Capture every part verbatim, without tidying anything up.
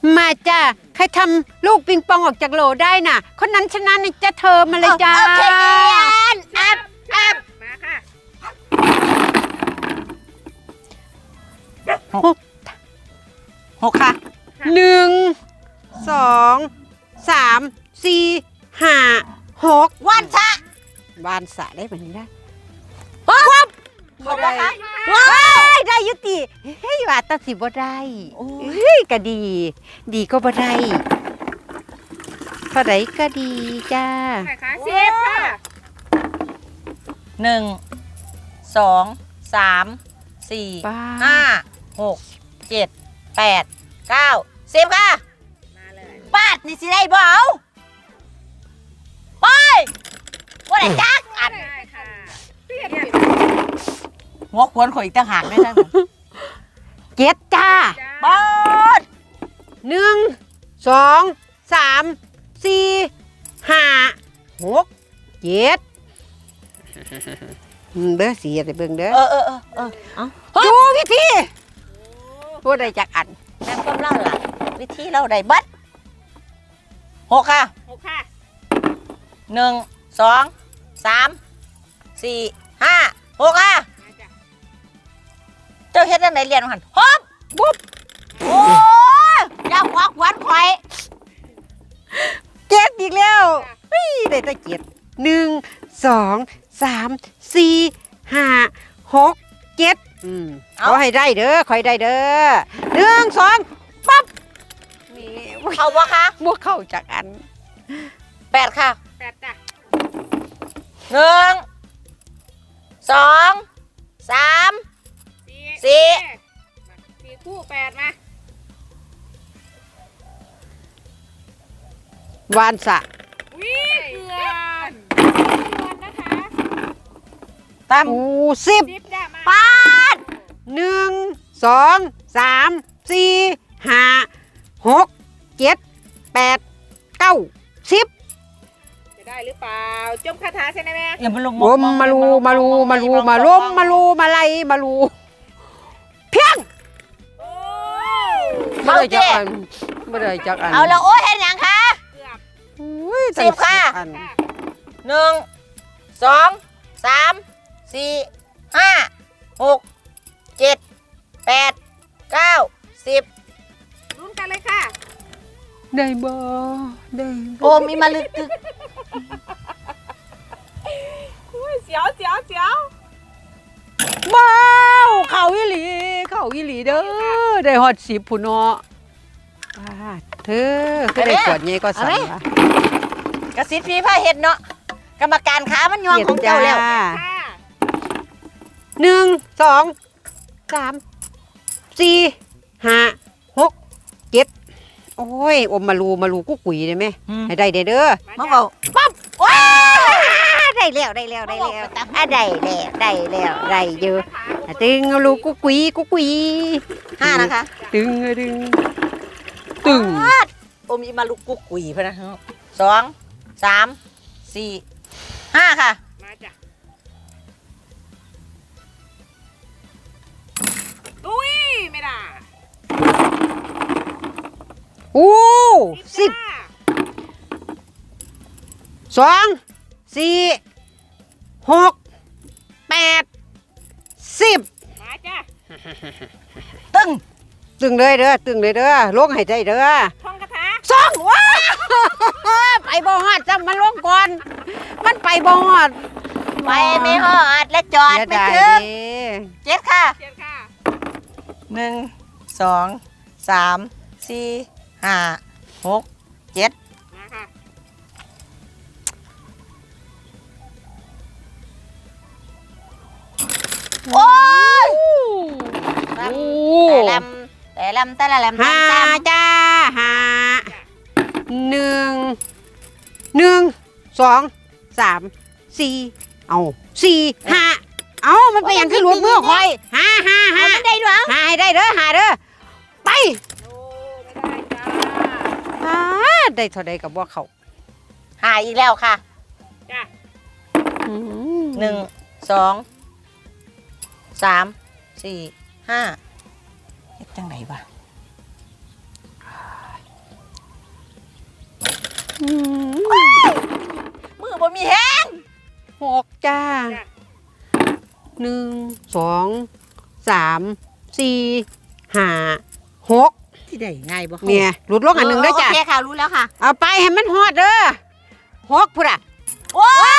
มาจ้าใครทำลูกปิงปองออกจากโหลได้น่ะคนนั้นชนะนี่จะเธอมาเลยจ้าโอเคเนียนแอบแอบมาค่ะหกหกค่ะหนึ่งสองสามสี่ห้าหกวันชะวานสะได้แบบนี้ได้วับหมดแล้วคะว้ายได้ยุติเฮ้ยว่าตัดสิบ่ได้เฮ้ยก็ดี ดีก็บ่ได้เท่าไหร่ก็ดีจ้าไหนคะสิบค่ะหนึ่งสองสามสี่ห้าหกเจ็ดแปดเก้าสิบค่ะมาเลยปาดนี่สิได้บ่เอาไปว่าได้จักอันได้ค่ะเปลี่ยนหัวขวนข่อยอีกต่างหากได้ทั้งเจ็ดจ้าปาดหนึ่งสองสามสี่ห้าหกเจ็ดเด้อสีอะไรเบิ่งเด้อเออเออเออเออเอาดูวิธีพูดได้จากอันแม่ก้มเล่าล่ะวิธีเล่าได้บัดหกค่ะหกค่ะหนึ่งสองสามสี่ห้าหกค่ะมาจ้ะเจ้าเฮ็ดจังไดเรียนหันฮบบุ๊บโอ้ยอย่าหัวขวนข่อยเจ็ดอีกแล้วเฮ้ยได้แต่เจ็ดหนึ่งสองสามสี่ห้าหกเจ็ดอืมขอให้ได้เด้อขอให้ได้เด้อหนึ่งสองปั๊บนี่เข้าบ่คะบวกเข้าจากอันแปดค่ะแปดจ้ะหนึ่งสองสามสี่สี่มาสี่คู่แปดมาวานสะวิเกือนเกือนนะคะตามอูสิบสิบจ้ะมาปาดหนึ่งสองสามสี่ห้าหกเจ็ดแปดเก้าสิบจะได้หรือเปล่าจมคาถาใช่ไหมแม่อย่ามาลงมมาลูมาลูมาลูมาล้มมาลูมาไล่มาลูเพียงโอ้ไม่ได้จักอันไม่ได้จักอันเอาแล้วโอ้ยเห็นยังคะเกือบอุ้ยสิบค่ะอันค่ะหนึ่งสองสามสี่ห้าหกเจ็ดแปดเก้าสิบลุ้นกันเลยค่ะได้บ่ได้โอมีมาลึกตึกอุ้ยเสียวเสียวเสียวบ้าวเข่าอีหลีเข่าอีหลีเด้อได้ฮอดสิบผู้เนาะอ่าเธอคือได้กวดใหญ่ก็สั่นวะกระซิบพี่พาเห็ดเนาะกรรมการขามันยองของเจ้าแล้วค่ะหนึ่งสองสามสี่ห้าหกเจ็ดโอ้ยอมมาลูมาลูกุ๊กกุ๋ยได้ไหมอืมให้ได้เด้อเด้อมาเบาปั๊บว้าได้แล้วได้แล้วได้แล้วอ่ะได้แล้วได้แล้วได้เยอะอ่ะตึงเอาลูกกุ๊กกุ๋ยกุ๊กกุ๋ยห้านะคะตึงอ่ะตึงตึงปาดโอมีมาลุกกุ๊กกุ๋ยพะนะสองสามสี่ห้าค่ะมาจ้ะอุ้ยไม่ได้โอ้สิบจ้ะสองสี่หกแปดสิบมาจ้ะตึ้งตึงเลยเด้อตึงเลยเด้อลงให้ได้เด้อท่องคาถาสองว้าไปบ่ฮอดจำมันลงก่อน มันไปบ่ฮอดไปไม่หอดและจอดเสียไม่ดายถึงเด้เจ็ดค่ะเชียนค่ะหนึ่งสองสามสี่ห้าหกเจ็ดมาค่ะโอ้ยโอ้แต่ลำแต่ลำแต่ละลำห้าตามจ้าห้าหนึ่งหนึ่งสองสามสี่เอาสี่ห้าเอามันไปอย่างขึ้นรถมือคอยห้าห้าๆเอาห้ามันได้ด้วยหาให้ได้เด้อหาเด้อไปโอ้ไม่ได้จ้าหาได้เท่าใดกับว่าเขาหายอีกแล้วค่ะจ้ะอืมหนึ่งสองสามสี่ห้าเฮ็ดจังไหนวะอืมมือบ่มีแห้งหกจ้าหนึ่งสองสามสี่ห้าหกที่ได้ง่ายบ่เนี่ยหลุดลงอันหนึ่งด้วยจ้ะโอเคค่ะรู้แล้วค่ะเอาไปให้มันฮอดเด้อหกพุ่นอ่ะโอ้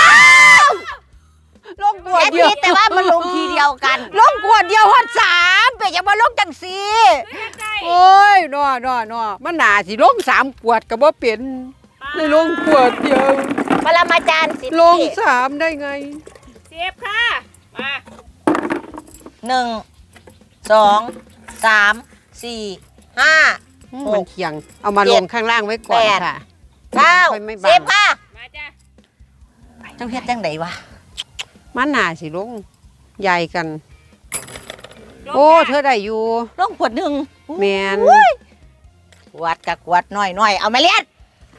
ลงกวดแค่เดียวนี้แต่ว่ามันลงทีเดียวกันลงกวดเดียวฮอดสามเปจะมาลงจังสี่ใจโอ้ยนอนอนอมันหนาสิลงสามกวดก็บ่เป็นเลยลงกวดเดียวปรมาจารย์สิลงสามได้ไงเสียบค่ะ มาหนึ่งสองสามสี่ห้า หกมันเคียงเอามาเจ็ลดงข้างล่างไว้ก่อนแปดค่ะเก้าค่อยไม่บังสิบค่ะมาจ้ะเจ้าเฮ็ดจังไดวะมันหนาสิลงใหญ่กันลงโอ้จ้ะเธอได้อยู่ลงขวดหนึ่งแมนขวดกับขวดหน่อยหน่อยเอามาเลียน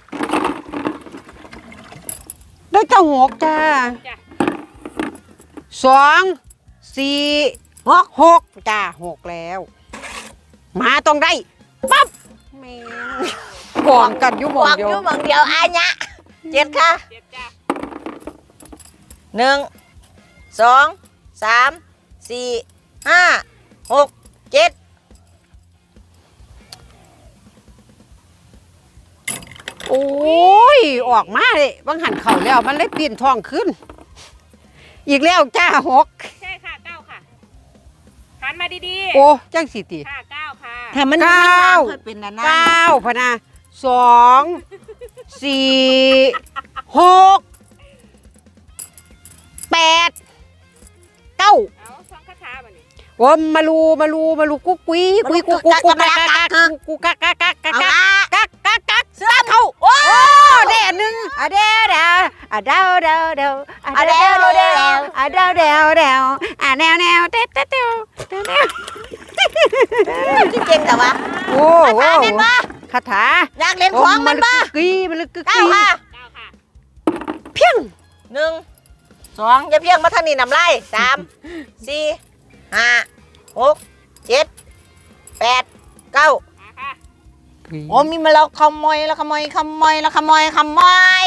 ได้เก้าหกจ้าจ้ะสองสี่หกหกจ้าหกแล้ว มาต้องได้ปั๊บแมนกองกันอยู่หมบองอกเดีอยวยู่บางเดียวอาญะเจ็ดค่ะเจ็บจ้ะหนึ่งสองสามสี่ห้าหกเจ็ดโอ้ยออกมาเลยบางหันเข่าแล้วมันเลยปีนท้องขึ้น อีกแล้วจ้าหกใช่ค่ะเก้าค่ะหันมาดีโอ้จังสิติๆค่ะเก้าค่ะถ้ามันเก้าเคยเป็นนานๆเก้าพะนะสองสี่หกแปดเก้าเอาท่องคาถาบัดนี้โอ้มาลูมาลูมาลูกุ๊กกุ๊ยกุ๊ยกุ๊กกุ๊กกุ๊กกักกักกักกุ๊กกักกักกักกักเอากักละกักกักกักเสื้อเขาโอ้โอ้เด้หนึ่งอ่ะเด้เดาอ่ะเดาเดาเดาอ่ะเดาเดาเดาอ่ะเดาเดาเดาอ่ะแนวแนวเต้เต้เต้เต้เต้ที่เก่งแต่ว่าโอ้คาโหถาเล่นบ่คาถาอยากเล่นของมันบ่กึ๊ยมันลึกกึ๊กเก้าค่ะเก้าค่ะเพียงหนึ่งสองอย่าเพียงมาทางนี้นำไล่สามสี่ห้าหกเจ็ดแปดเก้ามาค่ะโอ้มีมาแล้วขโมยแล้วขโมยขโมยแล้วขโมยขโมย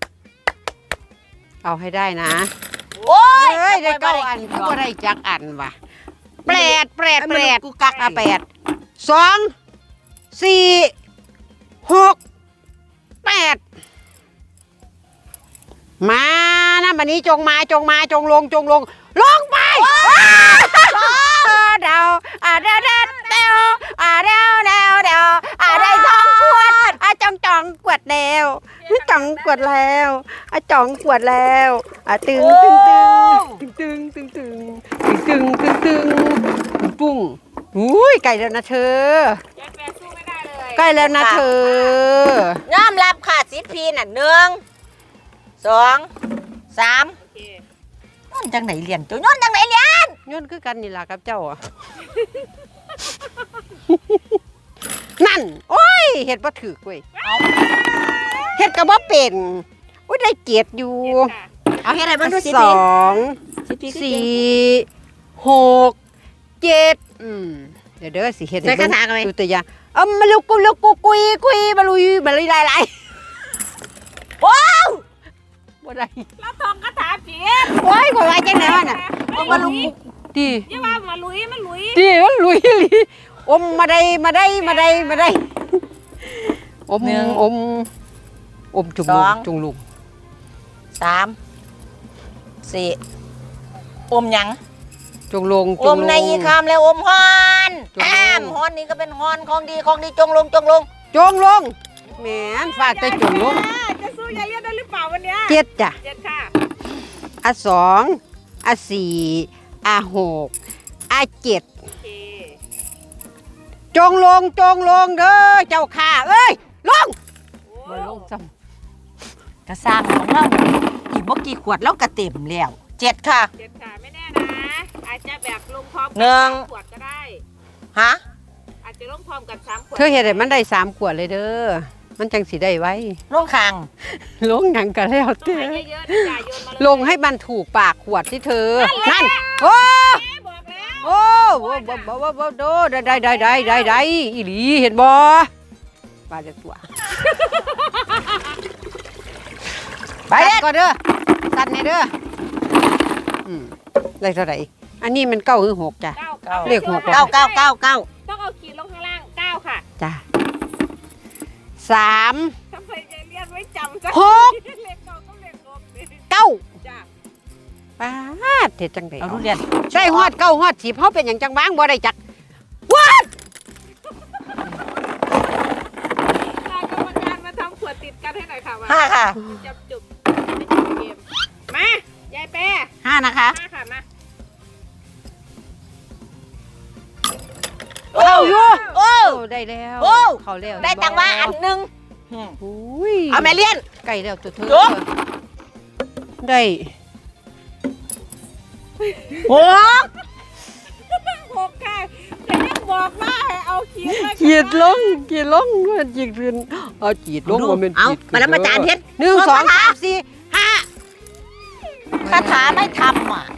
เอาให้ได้นะโอ้ยเอ้ยได้เก้าอันก็บ่ได้จักอันว่ะแปดแปดแปดกูกักอ่ะแปดสองสี่หกแปดมานะบันนี้จงมาจงมาจงลงจงลงลงไปเดาอ่ะเดาเดาเดาอ่ะเดาเดาเดาอ่ะได้สองขวดอ่ะจองจองกวดแล้วจองกวดแล้วอ่ะจองกวดแล้วอ่ะตึงตึงตึงตึงตึงตึงตึงตึงตึงตึงปุ้งอุ้ยไก่แล้วนะเธอเจ็ดแปดสู้ไม่ได้เลยใกล้แล้วนะเธอยอมรับค่ะสิบพีน่ะหนึ่งสองสามโอเคย้อนจังไหนเรียนตัวย้อนจังไหนเรียนย้อนคือกันนี่ล่ะครับเจ้าอ่ะ นั่น โอ้ยเห็ดบ่ถือเว้ยเห็ดก็บ่เป็นอุ้ยได้เกียรติอยู่เจ็ดค่ะเอาให้ไรบ้างดูสิสองสิบพีสี่หกเจ็ดอืมเดี๋ยวเด้อสิเห็ดใส่กระถางกันไหมดูตัวอย่างเอามาลุกกุลุกกุกุยกุยมาลุยมาลุยลายลายว้าวบ่ได้แล้วท่องคาถาเจ็ดโอ้ยข่อยว่าจังได๋วะน่ะเอามาลุยดีอย่าว่ามาลุยมันลุยดีมันลุยอีหลีอมมาได้มาได้มาได้มาได้อมอมอมจุงลุงจุงลุงสามสี่อมหยังจุงลุงอมในอีคามแล้วอมฮอนจงลงแอมฮอนนี่ก็เป็นฮอนของดีของดีจงลงจงลงจงลงแหมนฝากแต่จงลงอ่าจะสู้ยายเลียนได้หรือเปล่าวันเนี้ยเจ็ดจ้ะเจ็ดค่ะอ่ะสองอ่ะสี่อ่ะหกอ่ะเจ็ดโอเคจงลงจงลงเด้อเจ้าข้าเอ้ยลงโอ้บ่ลงซ้กระซ้างของเราอีกบ่กี่ขวดแล้วกระเต็มแล้วเจ็ดค่ะเจ็ดค่ะไม่แน่นะอาจจะแบบลงพร้อมกัหนึ่งสามขวดก็ได้ฮะอาจจะลงพร้อมกันสามขวำดเธอเห็นได้มันได้สามขวดเลยเด้อมันจังสิได้ไว้ลงคางลงหยังกันแล้วต้องเต้ให้เยอะๆนะจ่ายโยนมาเลยลงให้มันถูกปากขวดที่เธอ นั่นโอ้แม่บอกแล้วโอ้โอ้บ่บ่บ่บ่โดได้ได้ได้ได้ได้ได้อีหลีเห็นบ่ปลาจะตัวไปเด้อสั่นก่อนเด้อสั่นในเด้ออืมได้เท่าไหร่อันนี้มันเก้าหรือหกจ้ะเก้าเก้าเลขหกเก้าเก้าเก้าเก้าต้องเอาขีดลงข้างล่างเก้าค่ะจ้ะสามทำไมยายเลียนไม่จำจ้ะหกเลขเก้าต้องเลขหกเลยเก้าจ้ะป้าดเท็ดจังไดเอาทุเรียนได้ฮอดเก้าฮอดสิบเฮาเป็นหยังจังบ้างบ่ได้จักว้าลากรรมการมาทำขวดติดกันให้หน่อยค่ะมาห้าค่ะจับจุบไม่จบเกมมายายแปรห้านะคะมาค่ะมาโอ้ยโอ้โอ้ได้แล้วโอ้เขาแล้วได้ตังค์มาอันหนึ่งอุ้ยเอาแม่เลี้ยนไก่แล้วตัวเธอจบได้หกหกค่ะแต่ยังบอกว่าให้เอาขีดไว้ข้างจีดลงจีดลงมันจีดขึ้นเอาจีดลงว่ามันเอาจีดขึ้นมาแล้วมาจานเฮ็ดหนึ่งสองสามสี่ห้าคาถาไม่ทำอ่ะ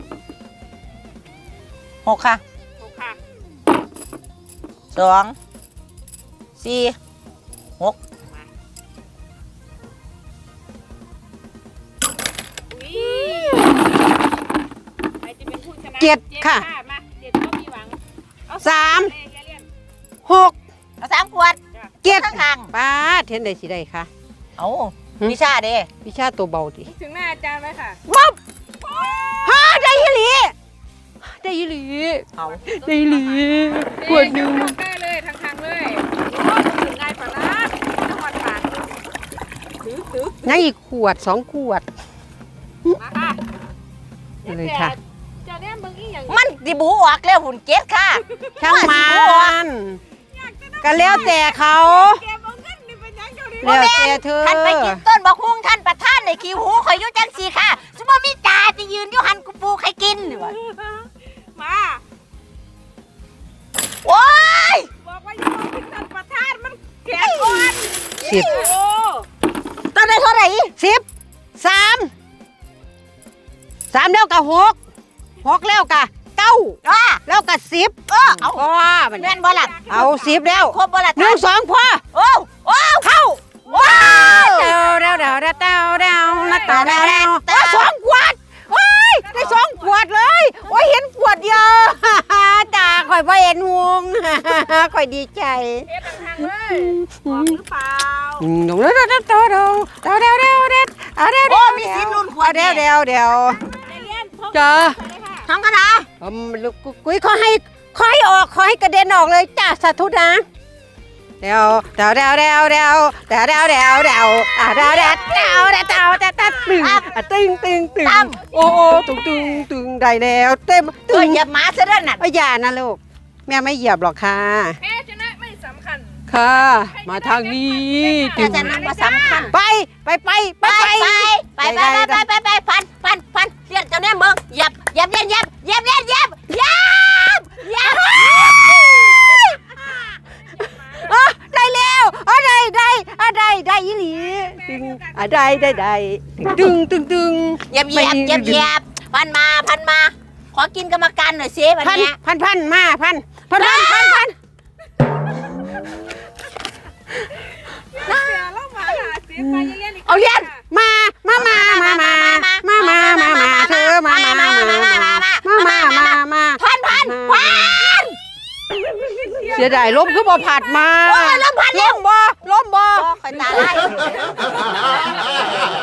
หกค่ะหกค่ะสองสี่หกอุ้ยใครจะเป็นผู้ชนะเจ็ดค่ะมาเจ็ดก็มีหวังเอสามเลยยายเลียนหกเอาสามขวดเจ็ดข้างข้างป้าดเห็นได้สิได้ค่ะๆเอาวิชาเด้วิชาตัวเบาดิถึงหน้าอาจารย์ไหมค่ะว้าวฮ่าได้ยี่หลีได้ยี่หลีเอาได้ยี่หลีขวดหนึ่งได้เลยทางทางๆเลยโอ้ถึงง่ายปะล่ะนครปานถือถือยังอีกขวดสองขวดมาค่ะเลยค่ะเจ้าเนี่ยมึงอีหยังมันดิบูออกแล้วหุ่นเจ็ดค่ะช่างมันก็แล้วแต่เขาแกเอาเงินนี่เป็นหยังเจ้าดิแล้วแต่เธอท่านไปกินต้นบักฮุ่งท่านประท่านในคิวหูข่อยอยุ่จังสีค่ะสมมติมีจ่าจะยืนอยู่หันกูปูใครกินวะมาโอ้ยบอกว่าอย่ามาขึ้นท่านประธานมันแก่ก่อนสิบโอ้ต้องได้เท่าไหร่สิบสามสามแล้วกับหกหกแล้วกับเก้าอ่ะแล้วกับสิบเออเอาพ่อมันแม่นบ่ล่ะเอาสิบแล้วครบบ่ล่ะหนึ่งสองพ่อโอ้โอ้เข้าว้าวเดาเดาเดาเดาเดาเดาเดาเดาเดาเดาสองขวดโอ้ยได้สองขวดเลยโอ้ยเห็นขวดเดียว จ้าข่อยบ่เห็นวง ข่อยดีใจเฮ็ดทางๆเลยบอกหรือเปล่าอืมเดาเดาเดาเดาเดาเดาเดาเดาเดาเอาเดาโอ้เดามีสินนุ่นขวเอาดเดาเดาเดาใจเย็นพกจ้าไปเลยค่ะทั้งคณะอืมลูกกุ้ยขอให้ขอให้ออกขอให้กระเด็นออกเลยจ้าสาธุนะเดาเดาเดาเดาเดาเดาเดาเดาเดาอ่ะเดาเดาเดาเดาเดาเดาเดาตึงอ่ะตึงตึงตึงโอ้โอ้ตึงตึงตึงได้แล้วเต็มเอตึอง อย่ามาซะด้วยน่ะไม่อย่านะลูกแม่ไม่เหยียบหรอกค่ะแพ้ชนะไม่สำคัญค่ะ มาทางนี้แต่จะนั้นมาสำคัญไปไปไปไปไปไปไปไปไปไปไปพันพันพันเรียนเจ้าเนี่ยมึงยับยับเย็นยับยับเย็นยับยับยับอ๋อได้แล้วอ๋อได้ได้อ๋อได้ได้อีหลีตึงอ่ะได้ได้ได้ตึงตึงตึงยับยับยับยับพันมาพันมา ขอกินกรรมการหน่อยสิวันพันเนี้ยพันพันมาพันพันพันพันพันเสียแล้วมาหาเสียไปเรียนอีกเอาเรียนมามามามามามามามามาเธอมามามามามามามามาพันพันพันเสียดายล้มคือบ่ผัดมาโอ้ยล้มพันล้มบ่ล้มบ่คอยตาไล่